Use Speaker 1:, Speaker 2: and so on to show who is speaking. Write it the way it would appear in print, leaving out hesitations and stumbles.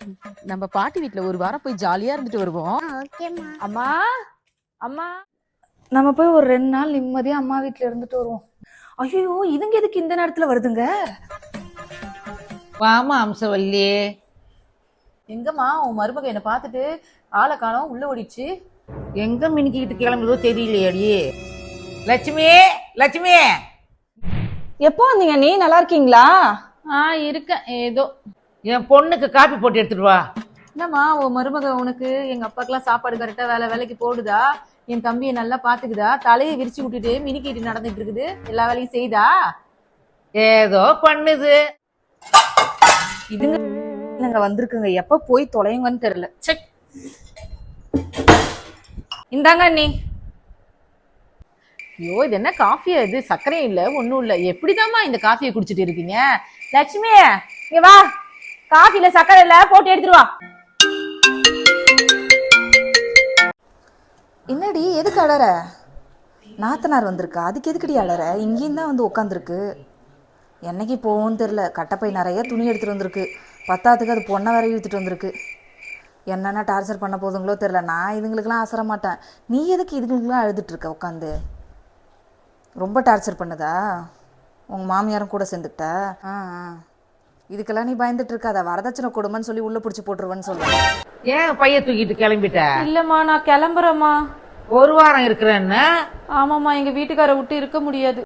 Speaker 1: நம்ம பாட்டி வீட்ல ஒரு வாரம் போய் ஜாலியா இருந்துட்டு வருவோம்.
Speaker 2: ஓகேம்மா.
Speaker 1: அம்மா அம்மா
Speaker 3: நம்ம போய் ஒரு 2 நாள் நிம்மதியா அம்மா வீட்ல இருந்துட்டு வருவோம். ஐயோ இதுங்க எதுக்கு இந்த நேரத்துல வருதுங்க?
Speaker 4: வாமா அம்சவல்லி.
Speaker 1: எங்கம்மா உன் மருமக என்ன பார்த்துட்டு ஆளை காணோம் உள்ள ஓடிடுச்சு.
Speaker 4: எங்க மினிக்கிட்டு கிளம்புதோ தெரியலையடி. லட்சுமி லட்சுமி,
Speaker 3: எப்போ வந்தீங்க? நீ நல்லா இருக்கீங்களா?
Speaker 1: இருக்கேன் ஏதோ.
Speaker 4: என் பொண்ணுக்கு காப்பி போட்டு எடுத்துட்டு வா.
Speaker 1: என்னம்மா உன் மருமக உனக்கு எங்க அப்பாக்கெல்லாம் சாப்பாடு கரெக்டா வேலைக்கு போடுதா? என் தம்பியை நல்லா பாத்துக்குதா? தலையை விரிச்சு விட்டுட்டு மினிக்கிட்டு நடந்துட்டு இருக்குது, எல்லா வேலையும் செய்தா?
Speaker 4: ஏதோ பண்ணுது.
Speaker 3: இதுங்க வந்திருக்குங்க, எப்ப போய் தொலைங்கன்னு தெரியல. செக் இந்தாங்க அண்ணி.
Speaker 1: ஐயோ இது என்ன காஃபியா? இது சர்க்கரையும் இல்ல ஒண்ணும் இல்ல. எப்படிதாம்மா இந்த காஃபியை குடிச்சிட்டு இருக்கீங்க? லட்சுமி இங்க வா, காஃபில சர்க்கரை இல்ல, போட்டு எடுத்துட்டு வா.
Speaker 3: என்னடி எதுக்கு அழற? நாத்தனார் வந்திருக்கா, அதுக்கு எதுக்குடி அழற? இங்கேயும் தான் வந்து உட்காந்துருக்கு. என்னைக்கு போவோன்னு தெரில. கட்டப்பை நிறைய துணி எடுத்துகிட்டு வந்திருக்கு. பத்தாத்துக்கு அது பொண்ணை வேற இழுத்துட்டு வந்திருக்கு. என்னென்ன டார்ச்சர் பண்ண போதுங்களோ தெரில. நான் இதுங்களுக்கெல்லாம் அசர மாட்டேன். நீ எதுக்கு இதுங்களுக்கெல்லாம் அழுதுட்டு இருக்க உட்காந்து? ரொம்ப டார்ச்சர் பண்ணுதா? உங்கள் மாமியாரும் கூட சேர்ந்துக்கிட்ட? இதுக்கெல்லாம் நீ பயந்துட்டு இருக்காத. வரதட்சணை கொடுமைன்னு சொல்லி உள்ள பிடிச்சி போட்டுருவேன்னு சொல்லுவேன்.
Speaker 4: ஏன் பைய தூக்கிட்டு கிளம்பிட்ட?
Speaker 1: இல்லம்மா நான் கிளம்புறேம்மா.
Speaker 4: ஒரு வாரம் இருக்கிறேன்னு.
Speaker 1: ஆமாம்மா, எங்க வீட்டுக்கார விட்டு இருக்க முடியாது.